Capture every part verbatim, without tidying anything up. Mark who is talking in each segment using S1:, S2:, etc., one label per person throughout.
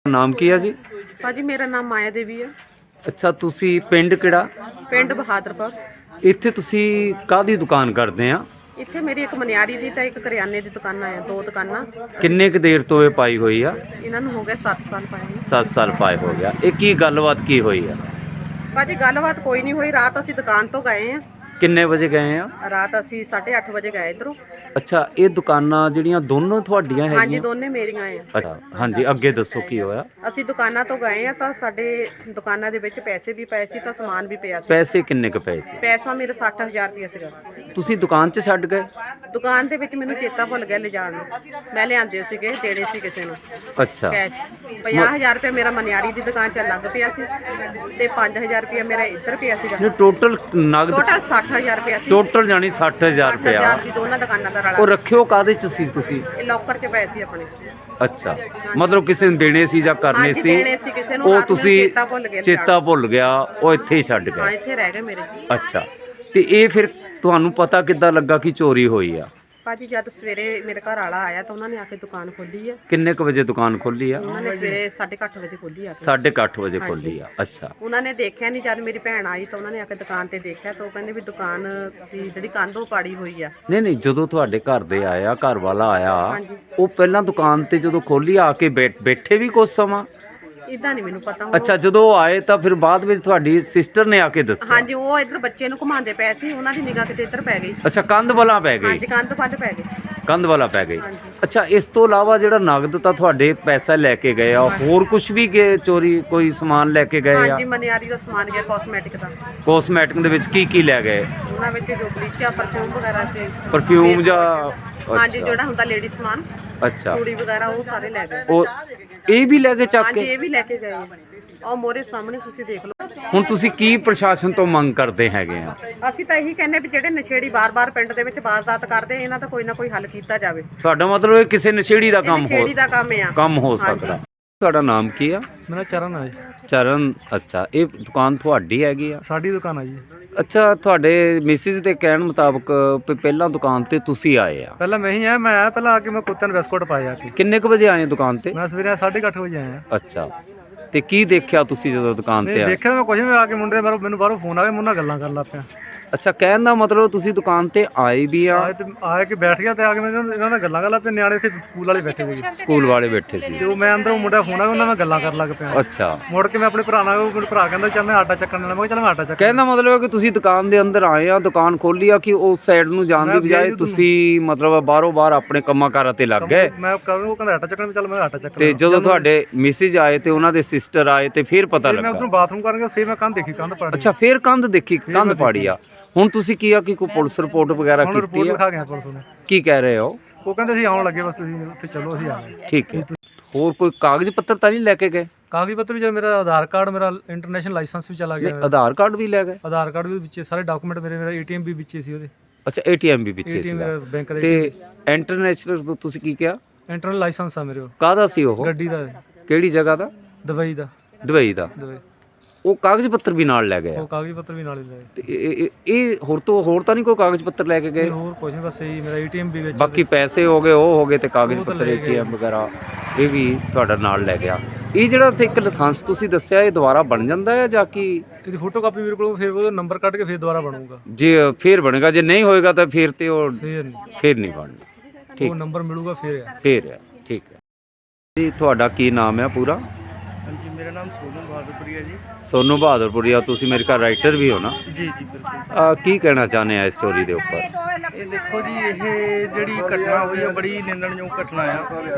S1: ਨਾਮ ਕੀ ਹੈ ਜੀ?
S2: ਭਾਜੀ ਮੇਰਾ ਨਾਮ ਮਾਇਆ ਦੇਵੀ ਹੈ।
S1: ਅੱਛਾ, ਤੁਸੀਂ ਪਿੰਡ ਕਿਹੜਾ?
S2: ਪਿੰਡ ਬਹਾਦਰਪੁਰ।
S1: ਇੱਥੇ ਤੁਸੀਂ ਕਾਹਦੀ ਦੁਕਾਨ ਕਰਦੇ ਆ?
S2: ਇੱਥੇ ਮੇਰੀ ਇੱਕ ਮਨਿਆਰੀ ਦੀ ਤਾਂ ਇੱਕ ਕਰਿਆਨੇ ਦੀ ਦੁਕਾਨਾਂ ਆ, ਦੋ ਦੁਕਾਨਾਂ।
S1: ਕਿੰਨੇ ਕੁ ਦੇਰ ਤੋਂ ਇਹ ਪਾਈ ਹੋਈ ਆ?
S2: ਇਹਨਾਂ ਨੂੰ ਹੋ ਗਏ ਸੱਤ ਸਾਲ ਪਾਏ ਨੂੰ।
S1: ਸੱਤ ਸਾਲ ਪਾਏ ਹੋ ਗਿਆ। ਇਹ ਕੀ ਗੱਲਬਾਤ ਕੀ ਹੋਈ ਆ?
S2: ਭਾਜੀ ਗੱਲਬਾਤ ਕੋਈ ਨਹੀਂ ਹੋਈ। ਰਾਤ ਅਸੀਂ ਦੁਕਾਨ ਤੋਂ ਗਏ ਆ।
S1: ਕਿੰਨੇ ਵਜੇ ਗਏ ਆ?
S2: ਰਾਤ ਅਸੀਂ ਸਾਢੇ ਅੱਠ ਵਜੇ ਗਏ ਇੱਧਰੋਂ।
S1: ਅੱਛਾ, ਇਹ ਦੁਕਾਨਾਂ ਜਿਹੜੀਆਂ ਦੋਨੋਂ ਤੁਹਾਡੀਆਂ
S2: ਹਾਂਜੀ,
S1: ਹੈਗੀਆਂ?
S2: ਦੋਨੇ ਮੇਰੀਆਂ ਆ।
S1: ਅੱਛਾ, ਹਾਂਜੀ, ਅੱਗੇ ਦੱਸੋ ਕੀ ਹੋਇਆ?
S2: ਅਸੀਂ ਦੁਕਾਨਾਂ ਤੋਂ ਗਏ ਆ ਤਾਂ ਸਾਡੇ ਦੁਕਾਨਾਂ ਦੇ ਵਿੱਚ ਪੈਸੇ ਵੀ ਪਏ ਸੀ ਤਾਂ ਸਮਾਨ ਵੀ ਪਿਆ ਸੀ।
S1: ਪੈਸੇ ਕਿੰਨੇ ਕੁ ਪਏ ਸੀ?
S2: ਪੈਸਾ ਮੇਰਾ ਸੱਠ ਹਜ਼ਾਰ ਰੁਪਇਆ ਸੀਗਾ।
S1: ਤੁਸੀਂ ਦੁਕਾਨ 'ਚ ਛੱਡ ਗਏ?
S2: ਦੁਕਾਨ ਦੇ ਵਿੱਚ ਮੈਨੂੰ ਚੇਤਾ ਭੁੱਲ ਗਿਆ ਲਿਜਾਣ ਨੂੰ। ਮੈਂ ਲਿਆਂਦੇ ਸੀਗੇ, ਦੇਣੇ ਸੀ ਕਿਸੇ ਨੂੰ
S1: ਅੱਛਾ,
S2: ਕੈਸ਼। ਪੰਜਾਹ ਹਜ਼ਾਰ ਰੁਪਇਆ ਮੇਰਾ ਮਨਿਆਰੀ ਦੀ ਦੁਕਾਨ 'ਚ ਲੱਗ ਪਿਆ ਸੀ ਤੇ ਪੰਜ ਹਜ਼ਾਰ ਰੁਪਇਆ ਮੇਰਾ ਇੱਧਰ ਪਿਆ ਸੀਗਾ।
S1: ਇਹ ਟੋਟਲ ਨਗਦ
S2: ਟੋਟਲ ਸੱਠ ਹਜ਼ਾਰ ਰੁਪਇਆ ਸੀ।
S1: ਟੋਟਲ ਜਾਨੀ ਸੱਠ ਹਜ਼ਾਰ
S2: ਸੱਠ
S1: ਰੁਪਇਆ।
S2: ਹਜ਼ਾਰ ਸੀ ਦੋਨਾਂ ਦੁਕਾਨਾਂ ਦਾ
S1: ਉਹ
S2: ਰਲਾ।
S1: ਰੱਖਿਓ ਕਾਹਦੇ 'ਚ ਸੀ ਤੁਸੀਂ?
S2: ਇਹ ਲੋਕਰ 'ਚ ਪਏ ਸੀ ਆਪਣੇ।
S1: ਅੱਛਾ, ਮਤਲਬ ਕਿਸੇ ਨੂੰ ਦੇਣੇ ਸੀ ਜਾਂ ਕਰਨੇ
S2: ਹਾਂਜੀ,
S1: ਸੀ?
S2: ਦੇਣੇ ਸੀ ਕਿਸੇ ਨੂੰ।
S1: ਉਹ
S2: ਰਾਤ ਨੂੰ
S1: ਤੁਸੀਂ
S2: ਚੇਤਾ ਭੁੱਲ ਗਿਆ
S1: ਚੇਤਾ ਭੁੱਲ ਗਿਆ, ਉਹ ਇੱਥੇ ਹੀ ਛੱਡ
S2: ਹਾਂ,
S1: ਗਏ?
S2: ਇੱਥੇ ਰਹਿ ਗਏ ਮੇਰੇ।
S1: ਅੱਛਾ, ਤੇ ਇਹ ਫਿਰ ਤੁਹਾਨੂੰ ਪਤਾ ਕਿੱਦਾਂ ਲੱਗਾ ਕਿ ਚੋਰੀ ਹੋਈ ਆ?
S2: ਭਾਜੀ ਜਦ ਸਵੇਰੇ ਮੇਰੇ ਘਰ ਵਾਲਾ ਆਇਆ ਤਾਂ ਉਹਨਾਂ ਨੇ ਆ ਕੇ ਦੁਕਾਨ ਖੋਲੀ ਆ।
S1: ਕਿੰਨੇ ਕੁ ਵਜੇ ਦੁਕਾਨ ਖੋਲੀ ਆ?
S2: ਉਹਨਾਂ ਨੇ ਸਵੇਰੇ ਸਾਢੇ ਕੁ ਅੱਠ ਵਜੇ ਖੋਲੀ ਆ ਕੇ।
S1: ਸਾਢੇ ਕੁ ਅੱਠ ਵਜੇ ਖੋਲੀ ਆ। ਅੱਛਾ,
S2: ਉਹਨਾਂ ਨੇ ਦੇਖਿਆ ਨਹੀਂ। ਜਦ ਮੇਰੀ ਭੈਣ ਆਈ ਤਾਂ ਉਹਨਾਂ ਨੇ ਆ ਕੇ ਦੁਕਾਨ ਤੇ ਦੇਖਿਆ ਤਾਂ ਉਹ ਕਹਿੰਦੇ ਵੀ ਦੁਕਾਨ ਦੀ ਜਿਹੜੀ ਕੰਧ ਉਹ ਪਾੜੀ ਹੋਈ ਆ।
S1: ਨਹੀਂ ਨਹੀਂ, ਜਦੋਂ ਤੁਹਾਡੇ ਘਰ ਦੇ ਆਇਆ, ਘਰ ਵਾਲਾ ਆਇਆ,
S2: ਹਾਂਜੀ।
S1: ਉਹ ਪਹਿਲਾਂ ਦੁਕਾਨ ਤੇ ਜਦੋਂ ਖੋਲੀ ਆ ਕੇ ਬੈਠ ਬੈਠੇ ਵੀ ਕੁਝ ਸਮਾਂ?
S2: ਇਦਾਂ ਨਹੀਂ ਮੈਨੂੰ ਪਤਾ ਹੁਣ।
S1: ਅੱਛਾ, ਜਦੋਂ ਉਹ ਆਏ ਤਾਂ ਫਿਰ ਬਾਅਦ ਵਿੱਚ ਤੁਹਾਡੀ ਸਿਸਟਰ ਨੇ ਆ ਕੇ ਦੱਸਿਆ?
S2: ਹਾਂਜੀ, ਉਹ ਇੱਧਰ ਬੱਚੇ ਨੂੰ ਘੁਮਾਉਂਦੇ ਪਏ ਸੀ, ਉਹਨਾਂ ਦੀ ਨਿਗਾਹ ਕਿਤੇ ਇੱਧਰ ਪੈ ਗਈ।
S1: ਅੱਛਾ, ਕੰਧ ਵਾਲਾ ਪੈ ਗਈ?
S2: ਹਾਂਜੀ, ਕੰਧ ਪੱਟ ਪੈ ਗਈ।
S1: ਕੰਧ ਵਾਲਾ ਪੈ ਗਈ।
S2: ਹਾਂਜੀ।
S1: ਅੱਛਾ, ਇਸ ਤੋਂ ਇਲਾਵਾ ਜਿਹੜਾ ਨਗਦ ਤਾਂ ਤੁਹਾਡੇ ਪੈਸਾ ਲੈ ਕੇ ਗਏ ਆ, ਹੋਰ ਕੁਝ ਵੀ ਗਏ ਚੋਰੀ? ਕੋਈ ਸਮਾਨ ਲੈ ਕੇ ਗਏ ਆ?
S2: ਹਾਂਜੀ, ਮਨਿਆਰੀ ਦਾ ਸਮਾਨ ਗਿਆ, ਕਾਸਮੈਟਿਕ ਦਾ।
S1: ਕੋਸਮੈਟਿਕ ਦੇ ਵਿੱਚ ਕੀ ਕੀ ਲੈ ਗਏ?
S2: ਉਹਨਾਂ ਵਿੱਚ ਜੋ ਬਲੀਚਾ, ਪਰਫਿਊਮ ਵਗੈਰਾ ਸੀ।
S1: ਪਰਫਿਊਮ ਜਾਂ?
S2: ਹਾਂਜੀ,
S1: ਅੱਛਾ।
S2: ਜਿਹੜਾ ਹੁੰਦਾ ਲੇਡੀ ਸਮਾਨ,
S1: ਅੱਛਾ,
S2: ਚੂੜੀ ਵਗੈਰਾ, ਉਹ ਸਾਰੇ ਲੈ ਗਏ।
S1: ਉਹ ਇਹ ਵੀ ਲੈ ਕੇ ਚੱਕ
S2: ਹਾਂਜੀ,
S1: ਕੇ?
S2: ਇਹ ਵੀ ਲੈ ਕੇ ਗਏ ਆ। ਉਹ ਮੋਰੇ ਸਾਹਮਣੇ ਤੁਸੀਂ ਦੇਖ ਲਓ।
S1: ਹੁਣ ਤੁਸੀਂ ਕੀ ਪ੍ਰਸ਼ਾਸਨ ਤੋਂ ਮੰਗ ਕਰਦੇ ਹੈਗੇ ਆ?
S2: ਅਸੀਂ ਤਾਂ ਇਹੀ ਕਹਿੰਦੇ ਵੀ ਜਿਹੜੇ ਨਸ਼ੇੜੀ ਬਾਰ-ਬਾਰ ਪਿੰਡ ਦੇ ਵਿੱਚ ਵਾਰਦਾਤ ਕਰਦੇ, ਇਹਨਾਂ ਦਾ ਕੋਈ ਨਾ ਕੋਈ ਹੱਲ ਕੀਤਾ ਜਾਵੇ।
S1: ਤੁਹਾਡਾ ਮਤਲਬ ਇਹ ਕਿਸੇ ਨਸ਼ੇੜੀ ਦਾ
S2: ਇਹ
S1: ਕੰਮ ਹੋ
S2: ਨਸ਼ੇੜੀ ਦਾ ਕੰਮ ਆ।
S1: ਕੰਮ ਹੋ
S2: ਹਾਂਜੀ।
S1: ਸਕਦਾ। ਤੁਹਾਡਾ ਨਾਮ ਕੀ ਆ?
S3: ਮੇਰਾ ਚਰਨ ਹੈ ਜੀ।
S1: ਚਰਨ। ਅੱਛਾ, ਇਹ ਦੁਕਾਨ ਤੁਹਾਡੀ ਹੈਗੀ ਆ?
S3: ਸਾਡੀ ਦੁਕਾਨ ਹੈ ਜੀ।
S1: ਅੱਛਾ, ਤੁਹਾਡੇ ਮਿਸਿਸ ਦੇ ਕਹਿਣ ਮੁਤਾਬਕ ਵੀ ਪਹਿਲਾਂ ਦੁਕਾਨ ਤੇ ਤੁਸੀਂ ਆਏ ਆ?
S3: ਪਹਿਲਾਂ ਮੈਂ ਹੀ ਆਇਆ। ਮੈਂ ਆਇਆ ਪਹਿਲਾਂ ਆ ਕੇ ਮੈਂ ਕੁੱਤਿਆਂ ਨੂੰ ਬਿਸਕੁਟ ਪਾਏ ਆ ਕੇ।
S1: ਕਿੰਨੇ ਕੁ ਵਜੇ ਆਏ ਦੁਕਾਨ ਤੇ?
S3: ਮੈਂ ਸਵੇਰੇ ਸਾਢੇ ਕੁ ਅੱਠ ਵਜੇ ਆਇਆ।
S1: ਅੱਛਾ, ਤੇ ਕੀ ਦੇਖਿਆ ਤੁਸੀਂ ਜਦੋਂ ਦੁਕਾਨ ਤੇ
S3: ਨਹੀਂ
S1: ਆਏ?
S3: ਦੇਖਿਆ ਮੈਂ ਕੁਝ ਨਹੀਂ। ਆ ਕੇ ਮੁੰਡੇ ਬਾਹਰੋਂ ਮੈਨੂੰ ਬਾਹਰੋਂ ਫੋਨ ਆ ਗਿਆ, ਮੁੰਡਾ ਗੱਲਾਂ ਕਰਨ ਲੱਗ ਪਿਆ।
S1: ਅੱਛਾ, ਕਹਿਣ ਦਾ ਮਤਲਬ ਤੁਸੀਂ ਦੁਕਾਨ ਤੇ ਆਏ ਵੀ ਆ?
S3: ਆਏ ਤੇ ਆਏ ਕੇ ਬੈਠ ਗਿਆ ਤੇ ਆ ਕੇ ਮੈਨੂੰ ਇਹਨਾਂ ਨਾਲ ਗੱਲਾਂ ਕਰਨ ਲੱਗ ਪਿਆ। ਨਿਆਣੇ ਇੱਥੇ ਸਕੂਲ ਵਾਲੇ ਬੈਠੇ ਹੋਏ ਜੀ।
S1: ਸਕੂਲ ਵਾਲੇ ਬੈਠੇ ਸੀ?
S3: ਤੇ ਉਹ ਮੈਂ ਅੰਦਰੋਂ ਮੁੰਡਾ ਫੋਨ ਆ ਗਿਆ, ਉਹਨਾਂ ਨਾਲ ਗੱਲਾਂ ਕਰਨ ਲੱਗ ਪਿਆ।
S1: ਅੱਛਾ,
S3: ਮੁੜ ਕੇ ਮੈਂ ਆਪਣੇ ਭਰਾ ਨਾਲ, ਮੇਰੇ ਭਰਾ ਕਹਿੰਦਾ ਚੱਲ ਮੈਂ ਆਟਾ ਚੱਕਣ ਜਾਣਾ। ਮੈਂ ਕਿਹਾ ਚੱਲ ਮੈਂ ਆਟਾ ਚੱਕ।
S1: ਕਹਿਣ ਦਾ ਮਤਲਬ ਹੈ ਕਿ ਤੁਸੀਂ ਦੁਕਾਨ ਦੇ ਅੰਦਰ ਆਏ ਆ, ਦੁਕਾਨ ਖੋਲੀ ਆ, ਕਿ ਉਸ ਸਾਈਡ ਨੂੰ ਜਾਣ ਦੀ
S3: ਮੈਂ
S1: ਬਜਾਏ
S3: ਗਿਆ
S1: ਤੁਸੀਂ ਮਤਲਬ ਬਾਹਰੋਂ ਬਾਹਰ ਆਪਣੇ ਕੰਮਾਂ ਕਾਰਾਂ ਤੇ ਲੱਗ ਗਏ?
S3: ਮੈਂ ਕਰ ਉਹ ਕਹਿੰਦਾ ਆਟਾ ਚੱਕਣ, ਚੱਲ ਮੈਂ ਆਟਾ ਚੱਕ
S1: ਤੇ
S3: ਲਿਆ।
S1: ਜਦੋਂ ਤੁਹਾਡੇ ਮਿਸਿਜ ਆਏ ਤੇ ਉਹਨਾਂ ਦੇ ਸਿਸਟਰ ਆਏ ਤੇ ਫਿਰ ਪਤਾ
S3: ਫਿਰ ਮੈਂ
S1: ਲੱਗਾ?
S3: ਉਧਰੋਂ ਬਾਥਰੂਮ ਕਰਨ ਗਿਆ, ਫਿਰ ਮੈਂ ਕੰਧ ਦੇਖੀ, ਕੰਧ ਪਾੜੀ।
S1: ਅੱਛਾ, ਫਿਰ ਕੰਧ ਦੇਖੀ, ਕੰਧ ਪਾੜੀ ਆ। ਹੁਣ ਤੁਸੀਂ ਕੀ ਆ ਕਿ ਕੋਈ ਪੁਲਿਸ ਰਿਪੋਰਟ ਵਗੈਰਾ
S3: ਹੁਣ
S1: ਕੀਤੀ
S3: ਰਿਪੋਰਟ
S1: ਆ?
S3: ਲਿਖਾ ਗਿਆ ਪੁਲਿਸ ਨੇ।
S1: ਕੀ ਕਹਿ ਰਹੇ ਹੋ?
S3: ਉਹ ਕਹਿੰਦੇ ਸੀ ਆਉਣ ਲੱਗੇ, ਬਸ ਤੁਸੀਂ ਉੱਥੇ ਚਲੋ, ਅਸੀਂ ਆ ਗਏ।
S1: ਠੀਕ ਹੈ। ਹੋਰ ਕੋਈ ਕਾਗਜ਼ ਪੱਤਰ ਤਾਂ ਨਹੀਂ ਲੈ ਕੇ ਗਏ?
S3: ਕਾਗਜ਼ ਪੱਤਰ ਵੀ ਜਿਵੇਂ ਮੇਰਾ ਆਧਾਰ ਕਾਰਡ, ਮੇਰਾ ਇੰਟਰਨੈਸ਼ਨਲ ਲਾਇਸੈਂਸ ਵੀ ਚਲਾ
S1: ਨਹੀਂ,
S3: ਗਿਆ।
S1: ਆਧਾਰ ਕਾਰਡ ਵੀ ਲੈ ਗਏ?
S3: ਆਧਾਰ ਕਾਰਡ ਵੀ ਵਿੱਚੇ, ਸਾਰੇ ਡਾਕੂਮੈਂਟ ਮੇਰੇ, ਮੇਰਾ ਏਟੀਐਮ ਵੀ ਵਿੱਚੇ ਸੀ ਉਹਦੇ।
S1: ਅੱਛਾ, ਏਟੀਐਮ ਵੀ ਵਿੱਚੇ
S3: ਏਟੀਐਮ
S1: ਸੀਗਾ?
S3: ਮੇਰਾ ਬੈਂਕ ਦਾ।
S1: ਤੇ ਇੰਟਰਨੈਸ਼ਨਲ ਤੋਂ ਤੁਸੀਂ ਕੀ ਕਿਹਾ?
S3: ਇੰਟਰਨਲ ਲਾਇਸੈਂਸ ਆ ਮੇਰੇ ਕੋਲ।
S1: ਕਾਹਦਾ ਸੀ ਉਹ?
S3: ਗੱਡੀ ਦਾ,
S1: ਕਿਹੜੀ ਜਗ੍ਹਾ ਦਾ?
S3: ਦੁਬਈ ਦਾ।
S1: ਦੁਬਈ ਦਾ?
S3: ਦੁਬਈ।
S1: ਉਹ ਕਾਗਜ਼ ਪੱਤਰ ਵੀ ਨਾਲ ਲੈ ਗਏ ਆ?
S3: ਉਹ ਕਾਗਜ਼ ਪੱਤਰ ਵੀ ਨਾਲ ਹੀ ਲਏ।
S1: ਤੇ ਇਹ- ਇਹ ਇਹ ਹੋਰ ਤੋਂ ਹੋਰ ਤਾਂ ਨਹੀਂ ਕੋਈ ਕਾਗਜ਼ ਪੱਤਰ ਲੈ ਕੇ ਗਏ?
S3: ਨਹੀਂ, ਹੋਰ ਕੁਝ ਨਹੀਂ, ਬਸ ਇਹੀ ਮੇਰਾ ਏਟੀਐਮ ਵੀ ਵਿੱਚ।
S1: ਬਾਕੀ ਪੈਸੇ ਹੋ ਗਏ, ਉਹ ਹੋ ਗਏ, ਤੇ ਕਾਗਜ਼
S3: ਉਹ ਤਾਂ
S1: ਪੱਤਰ
S3: ਲੈ ਗਏ।
S1: ਏਟੀਐਮ ਵਗੈਰਾ ਇਹ ਵੀ ਤੁਹਾਡਾ ਨਾਲ ਲੈ ਗਿਆ। ਇਹ ਜਿਹੜਾ ਉੱਥੇ ਇੱਕ ਲਾਇਸੈਂਸ ਤੁਸੀਂ ਦੱਸਿਆ, ਇਹ ਦੁਬਾਰਾ ਬਣ ਜਾਂਦਾ ਹੈ ਜਾਂ ਕੀ?
S3: ਇਹਦੀ ਫੋਟੋ ਕਾਪੀ ਮੇਰੇ ਕੋਲ, ਫਿਰ ਉਹਦਾ ਨੰਬਰ ਕੱਢ ਕੇ ਫਿਰ ਦੁਬਾਰਾ ਬਣੂਗਾ।
S1: ਜੇ ਫੇਰ ਬਣੇਗਾ, ਜੇ ਨਹੀਂ ਹੋਏਗਾ ਤਾਂ ਫਿਰ ਤੇ ਉਹ
S3: ਫਿਰ ਨਹੀਂ,
S1: ਫੇਰ ਨਹੀਂ ਬਣਨਾ? ਠੀਕ,
S3: ਉਹ ਨੰਬਰ ਮਿਲੂਗਾ ਫਿਰ ਆ।
S1: ਫੇਰ ਹੈ। ਠੀਕ ਹੈ ਜੀ। ਤੁਹਾਡਾ ਕੀ ਨਾਮ ਹੈ ਪੂਰਾ?
S3: ਹਾਂਜੀ, ਮੇਰਾ ਨਾਮ ਸੋਨੂ ਬਹਾਦਰਪੁਰੀਆ ਜੀ।
S1: ਸੋਨੂ ਬਹਾਦਰਪੁਰੀਆ। ਤੁਸੀਂ ਮੇਰੇ ਘਰ ਰਾਈਟਰ ਵੀ ਹੋ ਨਾ?
S3: ਜੀ ਜੀ ਬਿਲਕੁਲ।
S1: ਆ, ਕੀ ਕਹਿਣਾ ਚਾਹੁੰਦੇ ਆ ਇਸ ਸਟੋਰੀ ਦੇ ਉੱਪਰ?
S4: ਇਹ ਦੇਖੋ ਜੀ, ਇਹ ਜਿਹੜੀ ਘਟਨਾ ਹੋਈ ਹੈ ਬੜੀ ਨਿੰਦਣਯੋਗ ਘਟਨਾ ਆ।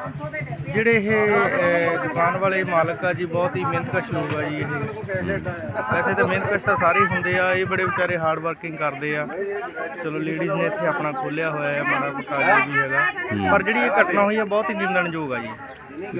S4: ਜਿਹੜੇ ਇਹ ਅਹ, ਦੁਕਾਨ ਵਾਲੇ ਮਾਲਕ ਆ ਜੀ, ਬਹੁਤ ਹੀ ਮਿਹਨਤਕਸ਼ ਲੋਕ ਆ ਜੀ। ਇਹ ਵੈਸੇ ਤਾਂ ਮਿਹਨਤਕਸ਼ ਤਾਂ ਸਾਰੇ ਹੀ ਹੁੰਦੇ ਆ, ਇਹ ਬੜੇ ਵਿਚਾਰੇ ਹਾਰਡ ਵਰਕਿੰਗ ਕਰਦੇ ਆ। ਚਲੋ ਲੇਡੀਜ਼ ਨੇ ਇੱਥੇ ਆਪਣਾ ਖੋਲ੍ਹਿਆ ਹੋਇਆ ਹੈ, ਮਾੜਾ ਮੋਟਾ ਜੋ ਵੀ ਹੈਗਾ, ਪਰ ਜਿਹੜੀ ਇਹ ਘਟਨਾ ਹੋਈ ਹੈ ਬਹੁਤ ਹੀ ਨਿੰਦਣਯੋਗ ਆ ਜੀ।